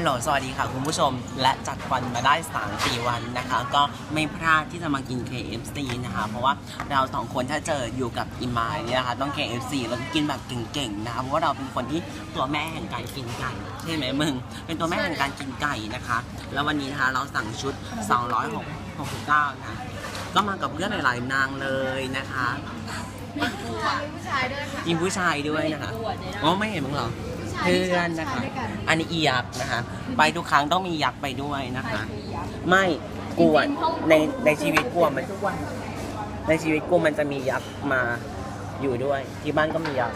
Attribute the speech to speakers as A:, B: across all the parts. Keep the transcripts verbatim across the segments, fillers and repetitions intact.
A: ลโหลสวัสดีค่ะคุณผู้ชมและจัดวันมาได้ สามสี่ วันนะคะก็ไม่พลาดที่จะมากิน เค เอฟ ซี นะคะเพราะว่าเราสองคนถ้าเจออยู่กับอิมายเนี่ยนะคะต้อง เค เอฟ ซี แล้วก็กินแบบเก่งๆนะคะเพราะว่าเราเป็นคนที่ตัวแม่แห่งการกินไก่ใช่ไหมมึงเป็นตัวแม่แห่งการกินไก่นะคะแล้ววันนี้นะคะเราสั่งชุดสองร้อยหกสิบเก้านะก็มากับเพื่อนหลายๆนางเลยนะคะ
B: มีผู้ชายด้วยค่ะ
A: มีผู้ชายด้วยนะคะอ๋อไม่เห็นมึงเหรอเพื่อนนะคะอันนี้อียักษ์นะคะไปทุกครั้งต้องมียักษ์ไปด้วยนะคะไม่กลัวในในชีวิตกลัวมันในชีวิตกูมันจะมียักษ์มาอยู่ด้วยที่บ้านก็มียักษ์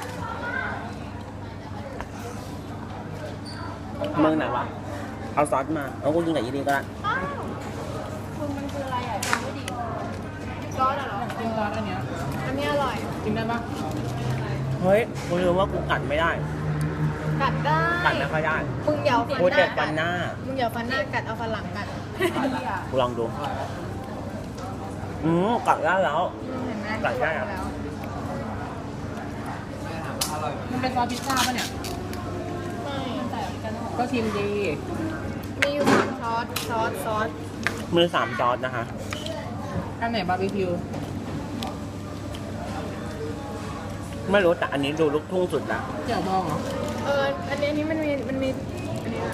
A: เมืองไหนวะเอาซอสมาเอากูกินกับยี่ดีก็ได้
B: คุณมันคืออะไรอ่ะจำไม่ดีซอสเหรอ
C: กินซอสอันเนี้ย
B: อันนี้อร่อย
C: กินได้ปะ
A: เฮ้ยกูรู้ว่ากูกัดไม่ได้
B: กัดได้
A: กัดไม่ค่อยได้
B: มึงอย่าฟันหน้า
A: กูเจ็บฟันหน้า
B: มึงอย่าฟันหน้ากัดเอาฟันหลังกัด
A: กูลองดูอืมกัดได้แล้วกัดได้แล้ว
C: มันเป็นซอสพิซซ่าป่ะเนี่ย
B: ไม่
C: ก็ชิมดี
B: มีอยู่สามซอสซอสซอส
A: มือสามซอสนะคะ
C: อันไหนบาร์บีคิว
A: ไม่รู้แต่อันนี้ดูลูกทุ่งสุดนะ
C: เจียวบองเหรอ
B: เอออันนี้อันนี้มันมีมันมีอันนี้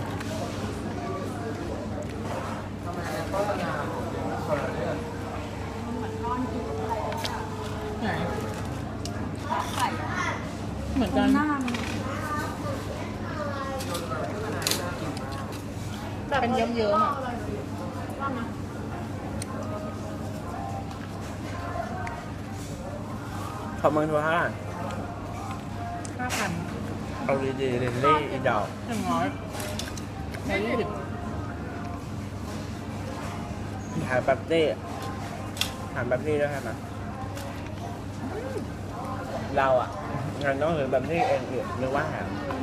C: ไหนเหมือนกันเป็นเยิ้มๆอ่ะ
A: ขอบมึงทัวร์เท่าไหร่
C: ห้าพัน
A: เอาดีๆเรนลี่อีดอก
C: หนึ่งร้อยใช้ยี่สิบ
A: หาแป๊บซี่หาแป๊บซี่ด้วยใช่ไหมเราอ่ะงานต้องถือแบบนี้เองหรือว่าหา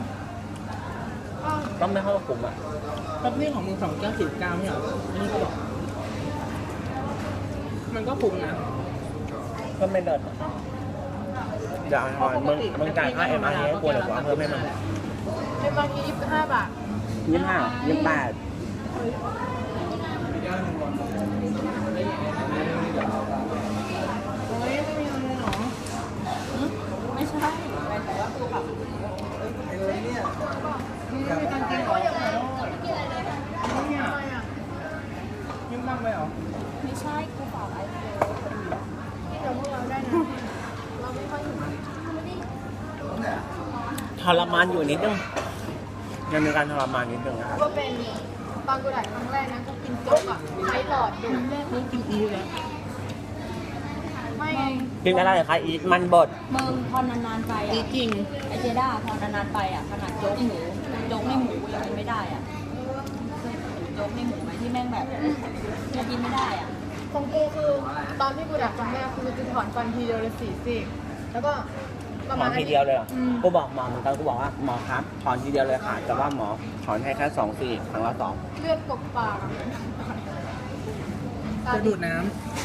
A: ต้องไม่เข้ากลุ่มอ่ะ
C: แป๊บนี่ของมึงสองเก้าสิบเก้าไม่เหรออันนี้ก็บอกมันก็คุ้มนะ
A: ก็ไม่เดินอย่าหน่อยมึงมึงจ่ายค่าเอ็มอาร์ให้กูเดี๋ยวกูเอาเพิ่มให้มึง
B: เอ็มอาร์ยี่สิบห้าบาท
A: ยี่สิบห้ายี่สิบแปด
B: ไม่ใช่แต่ว่าตัวแบบ
C: เนี่ยไม่มีการกินหรอเนี่ยยิ้มบ้างไหมหรอ
B: ไม่ใช่กูฝากไอโฟนที่เราพวกเราได้นะเราไม่ค่อยถึง
A: ทรมานอยู่นิดนึงยังมีการทรมานนิดนึงนะครับ
B: ก็เป็นตอนกูถ่ายครั้งแรกนะกูกินโจ๊กอ่ะใช้หลอดดูแรกกูกินอีเลยไม่
A: กินอะไรคะอีมันบด
D: เมืองพอนานๆไปอ่ะ
C: จริง
D: ไอเจด้าพอนานๆไปอ่ะขนาดโจ๊กหมูโจ๊กในหมูยังกินไม่ได้อ่ะโจ๊กในหมูไหมที่แม่งแบบยังกินไม่ได้อ่ะ
B: ของกูคือตอนที่กูดักครั้งแรกคือจะถอนฟันทีเดียวเลยสี่ซี่แล้วก็
A: ถอนทีเดียวเลยเหรอกูบอกหมอเหมือนกันกูบอกว่าหมอครับถอนทีเดียวเลยค่ะแต่ว่าหมอถอนให้แค่สองซี่ครั้งละสอง
B: เลือดกบปาก
C: จะดูดน้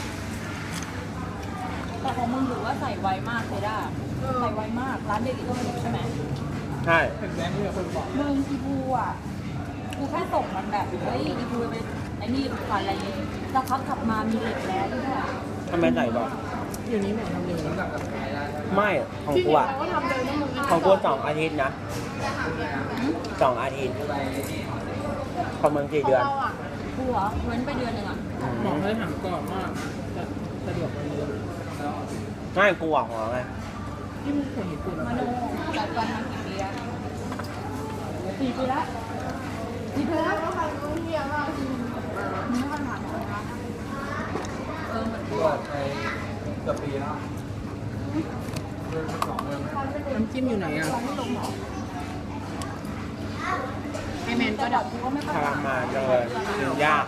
D: ำแต่ของมึงถือว่าใส่ไวมากเจด้าใส่ไวมากร้านเด็กก็ไม่ใช่ไหม
A: ใช่
C: เป็นแบงค์ที่คนบอก
D: มึงอีบูอ่ะกูแค่ส่งมันแบบเฮ้ยอีบูไปไอ้นี่ก่อนอะไรนี้สักพักขับมามีเหล็กแล้วที่ไหน
A: ทำไมใส่บอก
C: อยู่นี้เหมือนทำเร็ว
A: ไม่ของกูอ่ะของกูสองอาทิตย์นะสองอาทิตย์ประมาณกี่เดือน
D: กูเหรอเว้นไปเดือนหนึ่งอ่ะ
C: หมอเขาถามก่อนว่าสะดวกไหม
A: ง่ายกูหวังหรอไง
C: ที่มึงคนญี่ปุ่น
D: มาโน่จัดวันมากี่ปีแล้วสี่ปีแล้ว
B: สี่ปีแล้วก็ใครรู้เที่ยว่า
D: มึงไม่ค่อยถามหมอนะเออเหมือนกู
C: ไปเกือบปีแล้วน้ำจิ้มอยู่ไหนอ่ะไอแมนก็ดับกูก็ไม่ค่อย
A: ทรมานเลยกินยาก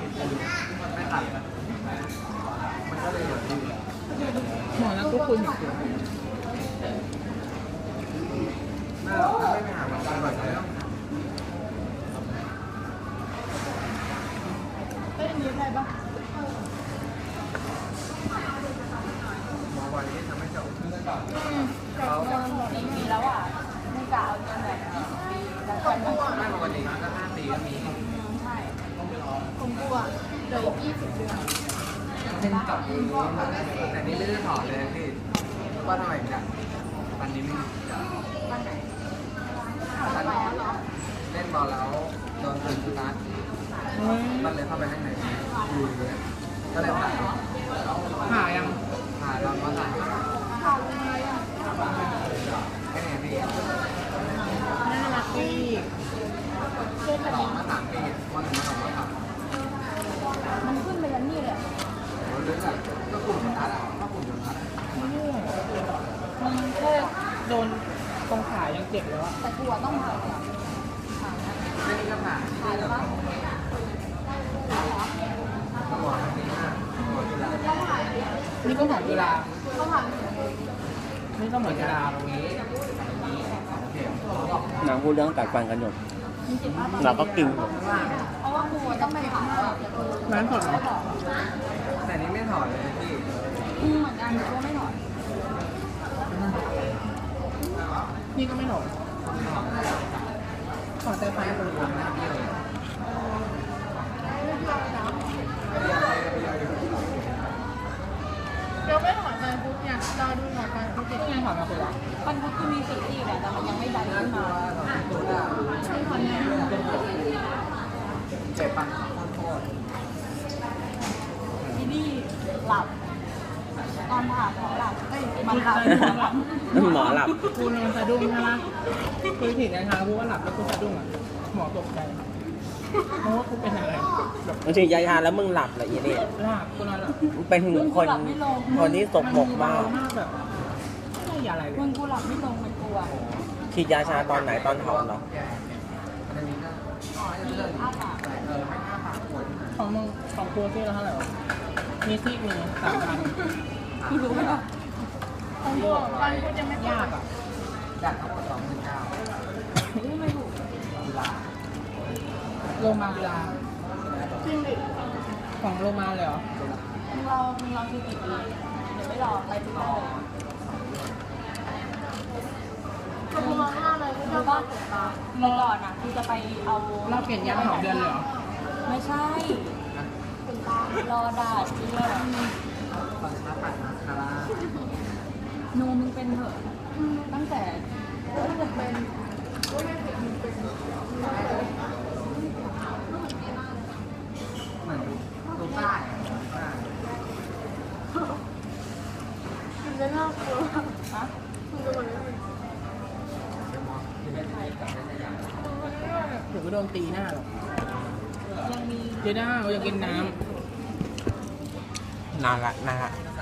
C: หมอแล้วก็คุยอยู่
B: เอ้ยมีใครบ้าง
D: สี่ปีแล้วอ่ะไม่กล่าวจนแบบปีแล้วก็ไม่ปกติก็ห้าปีก็มี
B: อ่ะเหลืออีกยี่สิบเดือน
C: เล่นกับเองแต่นี่ไม่ได้ถอดเลยพี่ว่าทำไมถึงจะวันนี้ไม่
B: วันไหน
C: วันเล่นบอลแล้วโดนตึงสุนัขมันเลยเข้าไปข้างในอยู่เลยก็เลยถ่าย
E: หายัง
C: ถ่ายตอนมาถ่าย
B: ข่าวอะไรอ่ะ
C: แค่ไหนพี่
E: น่ารักดี
B: เชื่อกัน
C: ต่อมาสามปีวันหนึ่งมาสองมาสาม
D: มันขึ้นไปยันนี่เลยอะ
C: โอ้ยเลยแบบก็กลุ่มโดนัทอ่ะก็กลุ่มโดนัท
E: มันแค่โดนตรงขายังเจ็บแล้วอะ
D: แต่กลัวต้องผ่าเลยอะผ่านะ
C: ไม่ได้ก็ผ่าน
D: ผ่าเลยปะ
C: ก็บอกว่าปีหน้าหมดเวลา
E: นี่ก็เหมือนเวลา
B: เขาผ่าน
E: นี่ก็เหมือนเวลา
C: ตรงนี้ตรงนี้สองเข็มเขาบอก
A: นางพูดเรื่องกัดฟันกันอยู่
D: มีเจ็บมาก
A: เราก็กิน
D: เพราะว่าครูต้องไปผ่าแล้วอะแต่ครู
E: ร้านสดเหรอ
D: ไม่บอก
C: แต่นี้ไม่ถอดเลยพี่
D: อืมเหมือนกันแต่ว่าไม่ถอด
E: นี่ก็ไม่หนก
C: ถอด
E: ขอแต่ไฟคน
C: ทำหน้าเบี้ยวเลย
B: เดี๋ยวไม่ถอนไปปุ๊บเนี่ยรอดูถอนไปปุ๊บ
E: นี่ไงถอดมาคนละ
D: มันก็คือมีสีที่แหละแต่มันยังไม่ดันขึ้นมา
C: ตัวหน้า
B: ถอนเนี่ย
C: เจ็บปังโคตร
D: ที่นี่หลับ ตอนผ่าหมอหลับเอ้ยมันหลับหมอหลับ
A: หมอหลับ
E: กูนอนสะดุ้งใช่ไหมคือถีบในทางกูว่าหลับแล้วกูสะดุ้งอ่ะหมอตกใจเพราะว่ากูเป็นอะไรแบบ
A: บางทียายาแล้วมึงหลับเหรออีนี่
E: หลับกูนอนหลับ
A: เป็นคน คนที่สกปรกมาก
E: มากแบบไม่ยาอะไรเล
D: มึ
E: ย
D: งกูหลับไม่ลงมันกลัว
A: ฉีดยาชาตอนไหนตอนถอนเหรอ
C: อันนี้ก็อ๋อจะเรื่อง
D: อ้าปาก
C: เออไม่อ้าปากปวด
E: ของมึงของกูที่ละเท่าไหร่วะมีซีกหนึ่งสามพัน
D: กูรู้ไหมล่ะ
B: ของพวกวันพุธยังไม่
E: ยากอ่ะ
C: จากทั้งหมดสองหมื่นเก้า
D: นี่ไม่ถูก
C: ตุลา
E: โลมาเวลา
B: จริงดิ
E: ของโลมาเลยเหรอ
D: มึงรอมึงรอคือกี่ปีเดี๋ยวไม่รอไปทุกคนเลย
B: คือมองหน้าเลยก็จะบ้าตกตา
D: เมื่อก่อนอ่ะกูจะไปเอา
E: เราเปลี่ยนยาสองเดือนเลยเหรอ
D: ไม่ใช่
B: เป็นตาร
D: อดาดเชื่อ
C: ตอนเช้าปัดมาคารา
D: นูมึงเป็นเหอะตั้งแต่
B: ก็จะเป็นก็ไม่ผิดมันเป็น
C: เหมือนดูใต้ใต้
B: มันจะน่ากลัว
D: ฮะ
B: มันจะเหมือน
C: เป็นมอสที่เป็นไทยกับเป็นอย่าง
E: เดี๋ยวก็โดนตีหน้าหรอก
D: ยังมี
E: เจด้าเราอยากกินน้
A: นานละนานละ
E: ำ